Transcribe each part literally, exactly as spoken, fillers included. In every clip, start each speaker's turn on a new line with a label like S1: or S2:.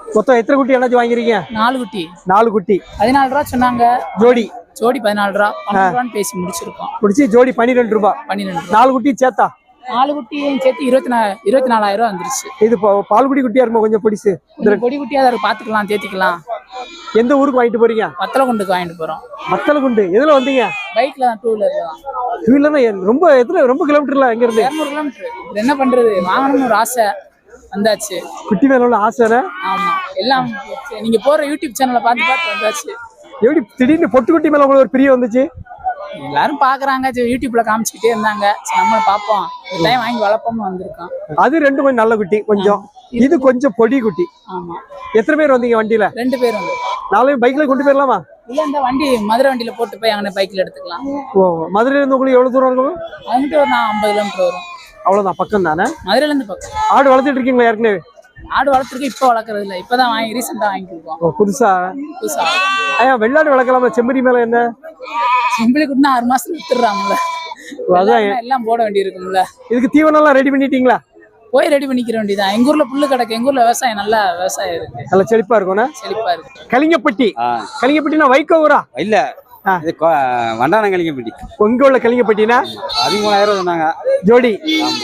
S1: மொத்தம் எத்தனை குட்டி என்னாச்சு வாங்கிருக்கீங்க?
S2: நாலு குட்டி.
S1: நாலு குட்டி
S2: பதினாலு ரூபா சொன்னாங்க
S1: ஜோடி.
S2: ஜோடி பதினாலு ரூபா பன்னெண்டு ரூபான்னு பேசி முடிச்சிருக்கோம்.
S1: முடிச்சு ஜோடி பன்னிரெண்டு ரூபாய்.
S2: பன்னிரெண்டு
S1: நாலு குட்டி சேர்த்தா
S2: நாலு குட்டியும் சேர்த்து இருபத்தி நாலு இருபத்தி நாலாயிரம் ரூபா வந்துருச்சு.
S1: இது பால்குடி குட்டியா இருக்குமா? கொஞ்சம் பிடிச்சு
S2: பொடி குட்டியா தான் பாத்துக்கலாம், தேத்திக்கலாம்.
S1: எந்த ஊருக்கு வாங்கிட்டு போறீங்க?
S2: மத்தல குண்டுக்கு வாங்கிட்டு போறோம்.
S1: மத்தல குண்டு எதுல வந்தீங்க?
S2: பைக்ல தான், டூ வீலர் தான்.
S1: டூ வீலர்னா ரொம்ப எத்தனை ரொம்ப கிலோமீட்டர்ல எங்க இருந்து?
S2: இருநூறு கிலோமீட்டர். என்ன பண்றது, வாங்கணும்னு ஒரு ஆசை வந்தாச்சு.
S1: குட்டி மேல உள்ள ஆசை.
S2: ஆமா, எல்லாம் நீங்க போற யூடியூப் சேனலை பார்த்து பார்த்து வந்தாச்சு.
S1: எப்படி திடீர்னு பொட்டு குட்டி மேல உங்களுக்கு ஒரு பிரியம் வந்துச்சு?
S2: எல்லாரும் பாக்குறாங்க, யூடியூப்ல காமிச்சுக்கிட்டே இருந்தாங்க, நம்ம பாப்போம், டைம் வாங்கி வளர்ப்போம்னு வந்திருக்கோம்.
S1: அது ரெண்டு கொஞ்சம் நல்ல குட்டி, கொஞ்சம் இது கொஞ்சம் பொடி குட்டி.
S2: ஆமா.
S1: எத்தனை பேர் வந்தீங்க வண்டியில?
S2: ரெண்டு பேர் வந்து.
S1: நாலு பைக்ல கொண்டு போயிடலாமா?
S2: இல்ல, இந்த வண்டி மதுரை வண்டியில போட்டு போய் அங்கே பைக்ல எடுத்துக்கலாம்.
S1: ஓ, மதுரையில இருந்து உங்களுக்கு எவ்வளவு தூரம் இருக்கும்?
S2: அங்கிட்ட ஒரு நான் ஐம்பது கிலோமீட்டர் வரும்.
S1: அவ்வளவுதான், பக்கம் தானே?
S2: மதுரையில இருந்து பக்கம்.
S1: ஆடு வளர்த்துட்டு இருக்கீங்களா ஏற்கனவே?
S2: ஆடு வளர்த்துருக்கு, இப்ப வளர்க்கறது இல்ல, இப்பதான் வாங்கி ரீசெண்டா வாங்கிருக்கோம்.
S1: புதுசா
S2: புதுசா.
S1: ஐயா, வெள்ளாடு வளர்க்கலாமா? செம்மறி மேல என்ன?
S2: செம்பிளி குட்டினா ஆறு மாசத்துல வித்துடுறாங்கல்ல, அதான் எல்லாம் போட வேண்டி இருக்கும்ல.
S1: இதுக்கு தீவனம் எல்லாம் ரெடி பண்ணிட்டீங்களா?
S2: போய் ரெடி பண்ணிக்கிற வேண்டியதான். எங்க ஊர்ல புல்லு கிடக்கு, எங்க ஊர்ல விவசாயம் நல்லா விவசாயம் இருக்கு,
S1: நல்லா செழிப்பா இருக்கும்.
S2: செழிப்பா இருக்கு.
S1: கலிங்கப்பட்டி. கலிங்கப்பட்டினா வைகோ ஊரா?
S3: இல்ல, வண்டான கலிங்கப்பட்டி.
S1: உங்க உள்ள கலிங்கப்பட்டினா
S3: பதிமூணாயிரம் சொன்னாங்க ஜோடி.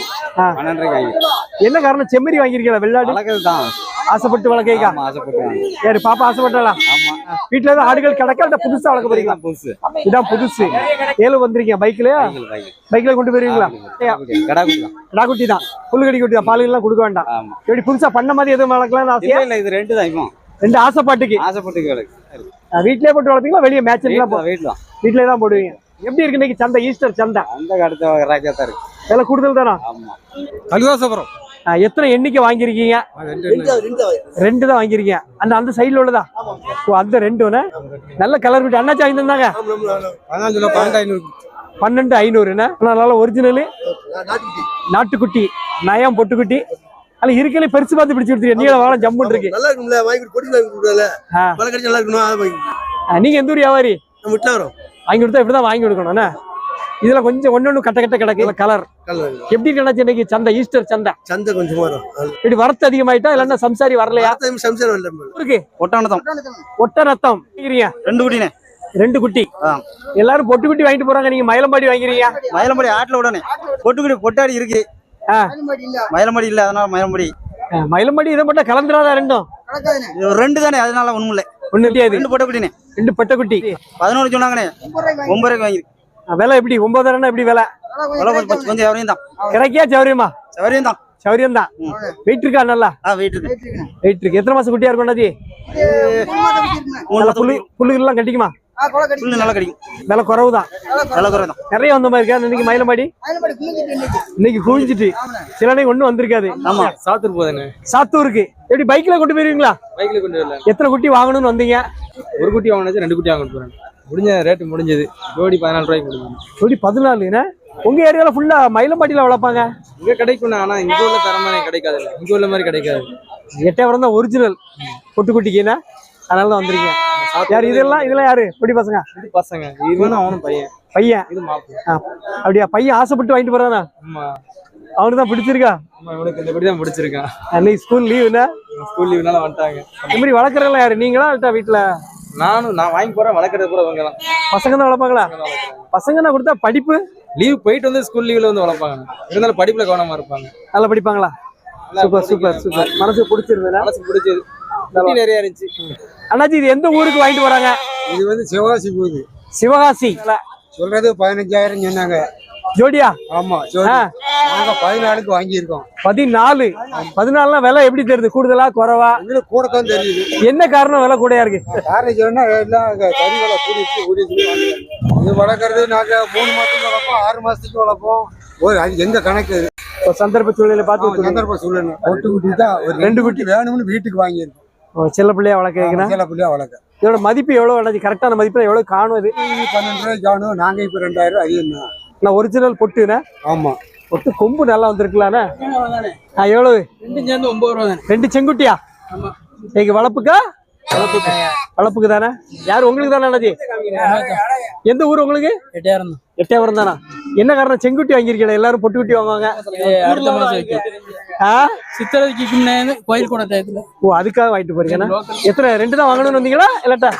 S1: என்ன காரணம் செம்மறி வாங்கிருக்கீங்களா? வெள்ளாடு
S3: வளர்க்கறது தான்
S1: ஆசைப்பட்டு வளர்க்கீங்க? யாரு பாப்பா ஆசைப்பட்டாளா? வீட்டுல ஏதாவது ஆடுகள் கிடக்க புதுசா வளர்க்க போறீங்களா? புதுசு, இதான் புதுசு. ஏழு வந்திருக்கீங்க பைக்லயா? பைக்ல கொண்டு போயிருவீங்களா? கிடாக்குட்டி தான், புல்லுக்கடி குட்டி தான், பால் எல்லாம் கொடுக்க வேண்டாம். எப்படி புதுசா பண்ண மாதிரி எதுவும் வளர்க்கலாம் ஆசையா?
S3: இல்ல, இது ரெண்டு தான். இப்போ
S1: ரெண்டு ஆசைப்பாட்டுக்கு
S3: ஆசைப்பட்டுக்கு
S1: வீட்லயே போட்டு வளர்ப்பீங்களா? வெளியே மேட்ச் எல்லாம்
S3: வீட்டுல
S1: வீட்லயே தான் போடுவீங்க. எப்படி இருக்கு இன்னைக்கு சந்தை? ஈஸ்டர் சந்தை
S3: அந்த அடுத்த ராஜா தான் இருக்கு.
S1: விலை கூடுதல் தானா?
S3: ஆமா. கலிவாசபுரம்.
S1: எத்தனை எண்ணிக்கை வாங்கிருக்கீங்க? ரெண்டு தான் வாங்கிருக்கீங்க. அந்த அந்த சைடுல உள்ளதா? அந்த ரெண்டு நல்ல கலர் குட்டி. அண்ணாச்சி வாங்கியிருந்தாங்க பன்னெண்டு ஐநூறுண்ணா. நல்ல ஒரிஜினலு நாட்டுக்குட்டி, நயம் பொட்டுக்குட்டி. அல்ல இருக்கல பெருசு பார்த்து பிடிச்சு கொடுத்துருக்கீங்க. நீங்க வாழ ஜம்முன்னு இருக்கு. நீங்க எந்த ஊர் வியாபாரி? வாங்கி கொடுத்தா இப்படிதான் வாங்கி கொடுக்கணும். இதுல கொஞ்சம் ஒண்ணு ஒண்ணு கட்ட கட்ட கிடக்கு. கலர் எப்படி இருக்கு இன்னைக்கு சந்தை? ஈஸ்டர் சந்தை சந்தை கொஞ்சம் இப்படி வரத்து அதிகமாயிட்டா இல்லன்னா சம்சாரி வரலையா? இருக்கு
S3: ஒட்டநத்தம்.
S1: ஒட்டநத்தம்
S3: ரெண்டு குட்டினே.
S1: ரெண்டு குட்டி. எல்லாரும் பொட்டு குட்டி வாங்கிட்டு போறாங்க, நீங்க மயிலம்பாடி வாங்கிறீங்க?
S3: மயிலம்பாடி ஆட்டுல உடனே பொட்டுக்குட்டி பொட்டாடி இருக்கு. மயிலம்பாடி இல்ல, அதனால மயிலம்பாடி.
S1: மயிலம்பாடி இதை மட்டும் கலந்துராதா? ரெண்டும்
S3: ரெண்டு தானே, அதனால ஒண்ணும் இல்ல.
S1: ஒண்ணு தெரியாது.
S3: ரெண்டு பொட்டை குட்டினே.
S1: ரெண்டு பொட்டை குட்டி
S3: பதினொன்று சொன்னாங்கண்ணே. ஒன்பது ரூபாய்க்கு வாங்கி.
S1: விலை எப்படி? ஒன்பதாயிரம் எப்படி விலை?
S3: கொஞ்சம் சௌரியம் தான்.
S1: கிடைக்கியா? சௌரியமா?
S3: சௌரியம் தான்.
S1: சௌரியம் தான். வெயிட் இருக்கா? நல்லா வெயிட் இருக்கு. வெயிட் இருக்கு. எத்தனை மாசம் குட்டியா இருக்கும்? புல்லுகள் எல்லாம் கட்டிக்குமா?
S3: நல்லா கிடைக்கும்.
S1: விலை குறவு தான்.
S3: விலை குறவு தான்.
S1: நிறைய வந்த மாதிரி இருக்கா இன்னைக்கு மயிலம்பாடி? இன்னைக்கு குவிஞ்சிட்டு சில நேரம் ஒண்ணும் வந்திருக்காது.
S3: ஆமா, சாத்தூர் போதானே.
S1: சாத்தூருக்கு எப்படி பைக்ல கொண்டு போயிருவீங்களா?
S3: பைக்ல கொண்டு வரல.
S1: எத்தனை குட்டி வாங்கணும்னு வந்தீங்க?
S3: ஒரு குட்டி வாங்கினது, ரெண்டு குட்டி வாங்கிட்டு போறேன். முடிஞ்ச ரேட்டு முடிஞ்சது. ஜோடி பதினாலு ரூபாய்க்கு முடிஞ்சது.
S1: ஜோடி பதினாலுன்னா உங்க ஏரியால ஃபுல்லா மயிலம்பாட்டியில வளர்ப்பாங்க.
S3: இங்க கிடைக்கும், ஆனா இங்க உள்ள தரமான கிடைக்காது. இங்க உள்ள மாதிரி கிடைக்காது.
S1: எட்டாயிரம் தான் ஒரிஜினல் பொட்டுக்குட்டிக்குன்னா, அதனால தான் வந்திருக்கீங்க. யாரு இதெல்லாம்? இதெல்லாம் யாரு? பொடி பசங்க?
S3: இது பசங்க. இவனும் அவனும் பையன்.
S1: பையன்
S3: இது மாப்பிள்ளை.
S1: அப்படியா? பையன் ஆசைப்பட்டு வாங்கிட்டு போறானா?
S3: ஆமா.
S1: அவனுக்கு தான் பிடிச்சிருக்கா?
S3: ஆமா, இவனுக்கு இந்த படி தான் பிடிச்சிருக்கான்.
S1: அன்னைக்கு ஸ்கூல் லீவுனா?
S3: ஸ்கூல் லீவுனால வந்துட்டாங்க.
S1: இந்த மாதிரி வளர்க்குறதுலாம் யாரு? நீங்களா இல்ல வீட்டுல?
S3: நானும் நான் வாங்கி போறேன். வளர்க்கறது பூரா இவங்க தான்.
S1: பசங்க தான் வளர்ப்பாங்களா? பசங்க தான் கொடுத்தா படிப்பு
S3: லீவ் போயிட்டு வந்து ஸ்கூல் லீவ்ல வந்து வளர்ப்பாங்க. இருந்தாலும் படிப்புல கவனமா இருப்பாங்க.
S1: நல்லா படிப்பாங்களா? Super super super. மனசுக்கு பிடிச்சிருந்தா?
S3: மனசுக்கு பிடிச்சது. நிறைய இருந்துச்சு.
S1: அண்ணாச்சி, இது எந்த ஊருக்கு வாங்கிட்டு வராங்க?
S4: இது வந்து சிவகாசி போகுது.
S1: சிவகாசி
S4: சொல்றது பதினஞ்சாயிரம் சொன்னாங்க
S1: ஜோடியா?
S4: ஆமா, நாங்க பதினாலுக்கு வாங்கியிருக்கோம்.
S1: பதினாலு பதினாலுனா விலை எப்படி தெரியுது? கூடுதலா குறைவா?
S4: கூட தான் தெரியுது.
S1: என்ன காரணம் விலை கூடயா இருக்கு?
S4: யாரும் சொன்னா எல்லாம் கறி விலை கூடிச்சு கூடிச்சு. இது வளர்க்கறது நாங்க மூணு மாசத்துக்கு வளர்ப்போம், ஆறு மாசத்துக்கு வளர்ப்போம். ஒரு அது எங்க கணக்கு?
S1: சந்தர்ப்ப சூழ்நிலை பார்த்து
S4: சந்தர்ப்ப சூழ்நிலை. பொட்டு குட்டி தான் ஒரு ரெண்டு குட்டி வேணும்னு வீட்டுக்கு வாங்கியிருக்கோம்.
S1: சில பிள்ளையா வளர்க்க.
S4: சில பிள்ளையா வளர்க்க.
S1: இதோட மதிப்பு எவ்வளவு? கரெக்டான மதிப்பு எவ்வளவு காணும்? இது
S4: பன்னெண்டு ரூபாய் காணும். நாங்க இப்ப ரெண்டாயிரம் ரூபாய் அதிகம்.
S1: நான் ஒரிஜினல் பொட்டுண்ணே.
S4: ஆமா,
S1: பொட்டு கொம்பு நல்லா வந்திருக்கலாண்ணே. எவ்வளவு?
S2: ரெண்டு சேர்ந்து ஒன்பது ரூபா தானே.
S1: ரெண்டு செங்குட்டியா?
S2: ஆமா.
S1: நீங்க வளர்ப்புக்கா? வளர்ப்புக்கு தானே. யாரு? உங்களுக்கு தானே அண்ணாச்சி? எந்த ஊர் உங்களுக்கு?
S2: எட்டாயிரம் தான்.
S1: எட்டாயிரம் தானா? என்ன காரணம் செங்குட்டி வாங்கிருக்கீங்க? எல்லாரும் பொட்டு குட்டி வாங்குவாங்க. ஆ
S2: சித்திரதிக்கு கோயில் கூட டயத்துல
S1: ஓ அதுக்காக வாங்கிட்டு போறீங்க. எத்தனை ரெண்டு தான் வாங்கணும்னு வந்தீங்களா இல்லாட்டா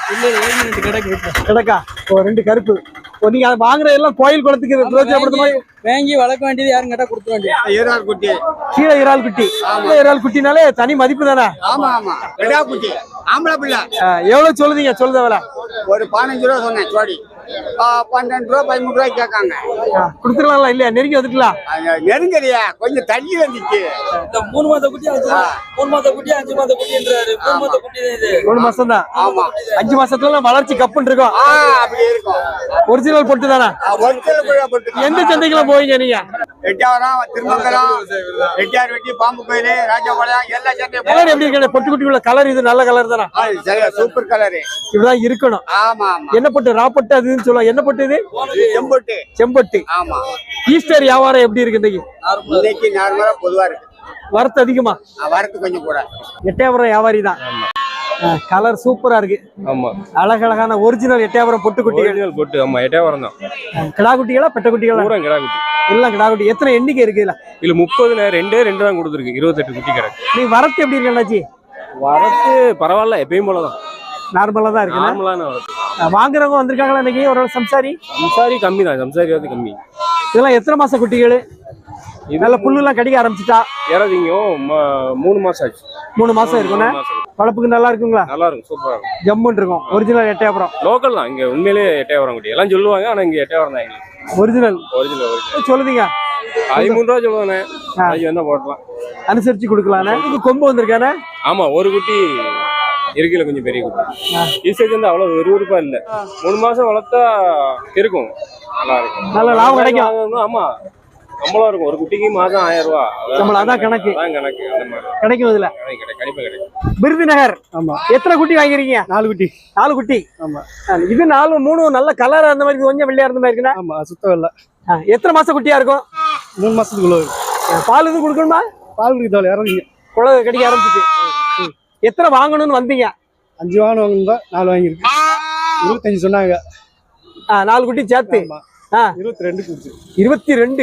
S1: கிடக்கா? ஓ ரெண்டு கருப்பு. ஓ நீங்க அதை வாங்குற எல்லாம் கோயில் குளத்துக்கு பிரயோஜனப்படுத்த மாதிரி
S2: வாங்கி வளர்க்க வேண்டியது யாரும் கேட்டா கொடுக்க வேண்டியது.
S3: ஈரால் குட்டி.
S1: கீழே இறால் குட்டி. இறால் குட்டினாலே தனி மதிப்பு தானே.
S3: ஆமா ஆமா கிடா குட்டி ஆம்பளை பிள்ளை.
S1: எவ்வளவு சொல்லுதீங்க சொல்லுத வேலை?
S3: ஒரு பதினஞ்சு ரூபா சொன்னேன் ஜோடி. பன்னெண்டு ரூபா பதிமூணு ரூபாய்க்கு கேட்காங்க.
S1: கொடுத்துடலாம்ல இல்லையா? நெருங்கி வந்துக்கலாம்.
S3: நெருங்கலையா கொஞ்சம் தள்ளி வந்துச்சு.
S2: இந்த மூணு மாத குட்டி அஞ்சு மூணு மாத குட்டி அஞ்சு மாத குட்டின்றாரு. மூணு மாத குட்டி இது
S1: மூணு மாசம் தான்.
S3: ஆமா
S1: அஞ்சு மாசத்துல வளர்ச்சி கப்புன்னு இருக்கும்.
S3: அப்படி இருக்கும்.
S1: ஒரிஜினல் பொட்டு தானே. எந்த சந்தைக்குள்ள போவீங்க நீங்க?
S3: எட்டாவரம் திருமங்கலம் எட்டார் வெட்டி பாம்பு கோயில் ராஜபாளையம் எல்லா சந்தையும்.
S1: கலர் எப்படி இருக்கு? பொட்டு குட்டி உள்ள கலர் இது நல்ல கலர் தானே.
S3: சூப்பர் கலரு
S1: இப்படிதான் இருக்கணும்.
S3: ஆமா ஆமா.
S1: என்ன பொட்டு? ராப்பட்டு அதுன்னு சொல்லுவாங்க. என்ன பொட்டு இது?
S3: செம்பொட்டு.
S1: செம்பொட்டு.
S3: ஆமா.
S1: ஈஸ்டர் வியாபாரம் எப்படி இருக்கு இன்னைக்கு?
S3: இன்னைக்கு நார்மலா பொதுவா இருக்கு.
S1: வரத்து அதிகமா?
S3: வரத்து கொஞ்சம் கூட.
S1: எட்டயபுரம் வியாபாரி தான். கலர் சூப்பரா இருக்கு.
S5: ஆமா
S1: அழகழகான ஒரிஜினல் எட்டயபுரம் பொட்டு குட்டிகள்.
S5: ஒரிஜினல் பொட்டு. ஆமா எட்டயபுரம் தான்.
S1: கிடா குட்டிகளா பெட்ட குட்டிகளா?
S5: பூரா கிடா குட்டி.
S1: எல்லாம் கிடா குட்டி. எத்தனை எண்ணிக்கை இருக்கு இதுல?
S5: இல்ல முப்பதுல ரெண்டே ரெண்டு தான் கொடுத்துருக்கு. இருபத்தெட்டு குட்டி கிடக்கு.
S1: நீ வரத்து எப்படி இருக்கு அண்ணாச்சி?
S5: வரத்து பரவாயில்ல எப்பயும் போலதான்.
S1: நார்மலா தான் இருக்கு.
S5: நார்மலான வரத்து.
S1: வாங்குறவங்க வந்திருக்காங்களா இன்னைக்கு? ஒரு சம்சாரி
S5: சம்சாரி கம்மி தான். சம்சாரி வந்து கம்மி.
S1: இதெல்லாம் எத்தனை மாச குட்டிகள்? நல்ல புல்லு எல்லாம் கடிக்க ஆரம்பிச்சுட்டா?
S5: இறதிங்கும் மூணு மாசம் ஆச்சு.
S1: மூணு மாசம் இருக்குண்ணே. வளர்ப்புக்கு நல்லா இருக்குங்களா?
S5: நல்லா இருக்கும். சூப்பரா இருக்கும்.
S1: ஜம்முன்னு இருக்கும். ஒரிஜினல் எட்டயபுரம்.
S5: லோக்கல் தான். இங்க உண்மையிலேயே எட்டயபுரம் குட்டி எல்லாம் சொல்லுவாங்க. ஆனா இங்க எட்டயபுரம் தான் எங்களுக்கு
S1: ஒரிஜினல்.
S5: Original original
S1: சொல்லுதீங்க.
S5: பதிமூணு ரூபா சொல்லுவானே. அது வந்தா போடலாம்.
S1: அனுசரிச்சு கொடுக்கலானே. இது கொம்பு வந்திருக்கானே.
S5: ஆமா ஒரு குட்டி இருக்குல்ல கொஞ்சம் பெரிய குட்டி. ஈசேஜ் வந்து அவ்வளவு விறுவிறுப்பா இல்ல. மூணு மாசம் வளர்த்தா இருக்கும். நல்லா இருக்கும்.
S1: நல்ல லாபம் கிடைக்கும்.
S5: ஆமா சம்பளம் இருக்கும். ஒரு குட்டிக்கு மாசம் ஆயிரம் ரூபா
S1: சம்பளம். அதான் கணக்கு.
S5: அதான் கணக்கு. அந்த மாதிரி
S1: கிடைக்கும் இதுல.
S5: கண்டிப்பா கிடைக்கும்.
S1: விருதுநகர்.
S4: ஆமா.
S1: எத்தனை குட்டி வாங்கிருக்கீங்க?
S4: நாலு குட்டி.
S1: நாலு குட்டி.
S4: ஆமா.
S1: இது நாலு மூணு நல்ல கலர் அந்த மாதிரி கொஞ்சம் வெள்ளையா இருந்த மாதிரி இருக்குண்ணா.
S4: ஆமா சுத்தம் இல்ல.
S1: எத்தனை மாசம் குட்டியா இருக்கும்?
S4: மூணு மாசத்துக்குள்ள.
S1: பால் இது கொடுக்கணுமா?
S4: பால் குடித்தாலும் இறங்குங்க.
S1: குழந்தை கடிக்க ஆரம்பிச்சிட்டு. எத்தனை வாங்கணும்னு வந்தீங்க?
S4: அஞ்சு வாங்கணும் வாங்கணும் தான் நாலு வாங்கிருக்கு. இருபத்தஞ்சு சொன்னாங்க.
S1: நாலு குட்டி சேர்த்து
S4: இருபத்தி ரெண்டு குடிச்சு.
S1: இருபத்தி ரெண்டு.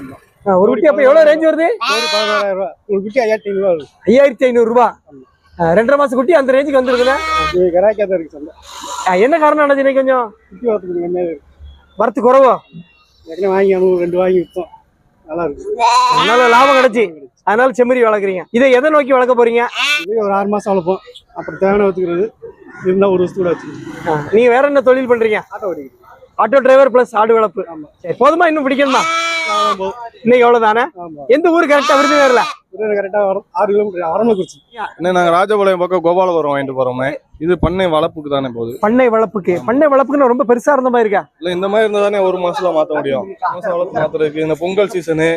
S1: ஒரு குட்டி அப்ப எவ்வளவு ரேஞ்ச் வருது?
S4: பதினாறாயிரம் ரூபாய். ஒரு குட்டி ஐயாயிரத்தி ஐநூறு ரூபாய்.
S1: ஐயாயிரத்தி ஐநூறு ரூபாய். ரெண்டரை மாசம் குட்டி அந்த ரேஞ்சுக்கு வந்துருக்குண்ணா.
S4: கராக்கியா தான் இருக்கு சந்தை.
S1: என்ன காரணம் அண்ணாச்சி கொஞ்சம்
S4: குட்டி வரத்துக்கு கம்மியாக இருக்கு.
S1: வரத்து குறவோ?
S4: ஏற்கனவே வாங்கி அனுபவம் ரெண்டு வாங்கி விற்றோம். நல்லா இருக்கு.
S1: நல்ல லாபம் கிடைச்சி அதனால செம்மறி வளர்க்குறீங்க. இதை எதை நோக்கி வளர்க்க போறீங்க?
S4: இது ஒரு ஆறு மாசம் வளர்ப்போம். அப்புறம் தேவையான வச்சுக்கிறது இருந்தா ஒரு வருஷத்து கூட வச்சுக்கணும்.
S1: நீங்க வேற என்ன தொழில் பண்றீங்க?
S4: ஆட்டோ ஓடிக்கிறேன்.
S1: ஆட்டோ டிரைவர் பிளஸ் ஆடு வளர்ப்பு. சரி போதுமா? இன்னும் பிடிக்கணுமா? இன்னைக்கு எவ்வளவுதானே? எந்த ஊரு கரெக்டா? விருதுநகர்ல.
S4: கரெக்டா ஆறு கிலோமீட்டர் அரமக்குறிச்சி.
S6: என்ன நாங்க ராஜபாளையம் பக்கம் கோபாலபுரம் வாங்கிட்டு போறோமே. இது பண்ணை வளர்ப்புக்கு தானே போகுது.
S1: பண்ணை வளர்ப்புக்கு. பண்ணை வளர்ப்புக்கு ரொம்ப பெருசா இருந்த மாதிரி இருக்கா?
S6: இல்ல இந்த மாதிரி இருந்தா தானே ஒரு மாசத்துல மாத்த முடியும். மாசம் வளர்த்து மாத்துறதுக்கு இந்த பொங்கல் சீசனு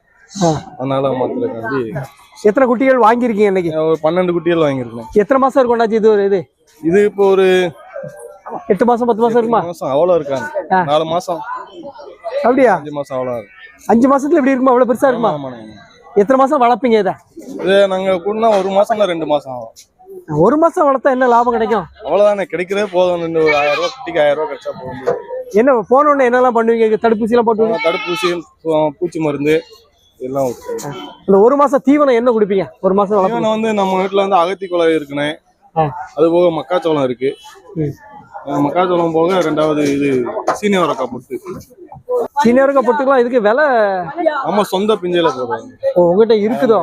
S6: அதனால மாத்துறதுக்காண்டி.
S1: எத்தனை குட்டிகள் வாங்கிருக்கீங்க இன்னைக்கு?
S6: ஒரு பன்னெண்டு குட்டிகள் வாங்கியிருக்கேன்.
S1: எத்தனை மாசம் இருக்கும் அண்ணாச்சி இது? ஒரு இது
S6: இது இப்போ ஒரு
S1: எட்டு மாசம் பத்து மாசம் இருக்குமா?
S6: மாசம் அவ்வளவு இருக்காங்க. நாலு மாசம்
S1: அப்படியா?
S6: அஞ்சு மாசம் அவ்வளவு இருக்கு.
S1: அஞ்சு மாசத்துல எப்படி இருக்குமா? அவ்வளவு பெருசா இருக்குமா? எத்தனை மாசம் வளர்ப்பீங்க இதை?
S6: இது நாங்க கூடனா ஒரு மாசம் ரெண்டு மாசம் ஆகும்.
S1: ஒரு மாசம் வளர்த்தா என்ன லாபம் கிடைக்கும்?
S6: அவ்வளவுதானே கிடைக்கிறதே போதும். ரெண்டு ஒரு ஆயிரம் ரூபாய் குட்டிக்கு ஆயிரம் ரூபாய் கிடைச்சா போதும்.
S1: என்ன போன உடனே என்னெல்லாம் பண்ணுவீங்க? தடுப்பூசி எல்லாம் போட்டு?
S6: தடுப்பூசி பூச்சி மருந்து எல்லாம்.
S1: இந்த ஒரு மாசம் தீவனம் என்ன குடிப்பீங்க? ஒரு மாசம்
S6: தீவனம் வந்து நம்ம வீட்டுல வந்து அகத்தி குலை இருக்குண்ணே. அது போக மக்காச்சோளம் இருக்கு. மக்காச்சோளம் போக ரெண்டாவது இது சீனி வரக்காய் பொட்டு.
S1: சீனி வரக்காய் பொட்டுக்கலாம் இதுக்கு விலை?
S6: ஆமா சொந்த பிஞ்சையில போடுறாங்க.
S1: ஓ உங்ககிட்ட இருக்குதோ?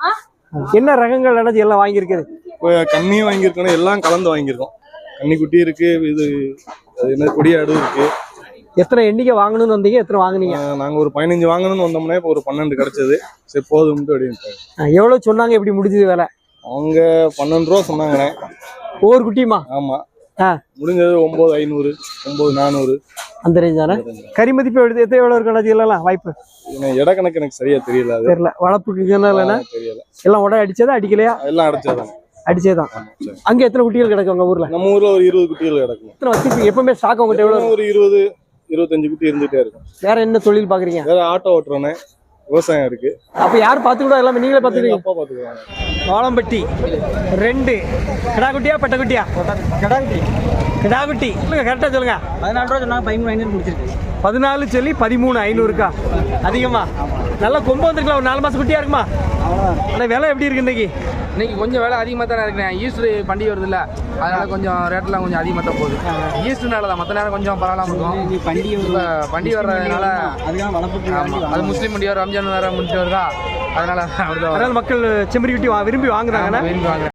S1: என்ன ரகங்கள் எனர்ஜி எல்லாம் வாங்கியிருக்குது?
S6: கண்ணியும் வாங்கியிருக்கோம். எல்லாம் கலந்து வாங்கியிருக்கோம். கன்னி குட்டி இருக்கு. இது என்ன கொடியாடு இருக்கு.
S1: எத்தனை எண்ணிக்கை வாங்கணும்னு வந்தீங்க? எத்தனை வாங்குனீங்க?
S6: நாங்க ஒரு பதினஞ்சு வாங்கணும்னு வந்தோம்னா இப்போ ஒரு பன்னெண்டு கிடைச்சது. சரி போதும்ட்டு அப்படின்னு.
S1: எவ்வளவு சொன்னாங்க? எப்படி முடிஞ்சது வேலை?
S6: அவங்க பன்னெண்டு ரூபா சொன்னாங்கண்ணே
S1: ஒவ்வொரு குட்டியுமா?
S6: ஆமா முடிஞ்சது ஒன்பது ஐநூறு ஒன்பது நானூறு
S1: அந்த ரேஞ்ச் தானே. கறி மதிப்பு எடுத்து எத்தனை எவ்வளவு இருக்கு எல்லாம் வாய்ப்பு?
S6: இட கணக்கு எனக்கு சரியா தெரியல. அது
S1: தெரியல. வளர்ப்புக்கு தெரியல. எல்லாம் உடனே அடிச்சதா அடிக்கலையா?
S6: எல்லாம் அடிச்சதான்.
S1: அடிச்சேதான். அங்க எத்தனை குட்டிகள் கிடக்கும் உங்க ஊர்ல?
S6: நம்ம ஊர்ல ஒரு இருபது குட்டிகள் கிடக்கும்.
S1: எத்தனை வச்சிருப்பீங்க எப்பவுமே? ஸ்டாக் உங்ககிட்ட எவ்வளவு?
S6: ஒரு இருபது இருபத்தஞ்சு குட்டி இருந்துட்டே இருக்கும்.
S1: வேற என்ன தொழில் பாக்குறீங்க?
S6: வேற ஆட்டோ ஓட்டுறோன்னே. விவசாயம் இருக்கு.
S1: அப்ப யார் பாத்துக்கூட எல்லாமே நீங்களே பாத்துக்கிறீங்க?
S6: அப்பா பாத்துக்குவாங்க.
S1: வாழம்பட்டி ரெண்டு கிடா குட்டியா பெட்ட குட்டியா? கிடா குட்டி. கிடா குட்டி சொல்லுங்க கரெக்டா சொல்லுங்க.
S2: பதினாலு ரூபா சொன்னாங்க. பதிமூணு ஐநூறு முடிச்சிருக்கு.
S1: பதினாலு சொல்லி பதிமூணு ஐநூறுக்கா? அதிகமா? நல்லா கொம்பு வந்துருக்கலாம். ஒரு நாலு மாசம் குட்டியா இருக்குமா? அண்ணா விலை எப்படி இருக்கு இன்னைக்கு?
S7: இன்னைக்கு கொஞ்சம் விலை அதிகமாக தானே இருக்குண்ணே. ஈஸ்டர் பண்டிகை வருது இல்லை, அதனால கொஞ்சம் ரேட்லாம் கொஞ்சம் அதிகமாக தான் போகுது. ஈஸ்டர்னால தான், மற்ற நேரம் கொஞ்சம் பரவாயில்லாம இருக்கும். பண்டிகை பண்டிகை வர்றதுனால ஆமாம், அது முஸ்லீம் பண்டிகை ரம்ஜான் வேற முடிச்சு வருதா, அதனால
S1: அதனால மக்கள் செம்பரி குட்டி வா- விரும்பி வாங்குறாங்கண்ணா.
S7: விரும்பி வாங்க.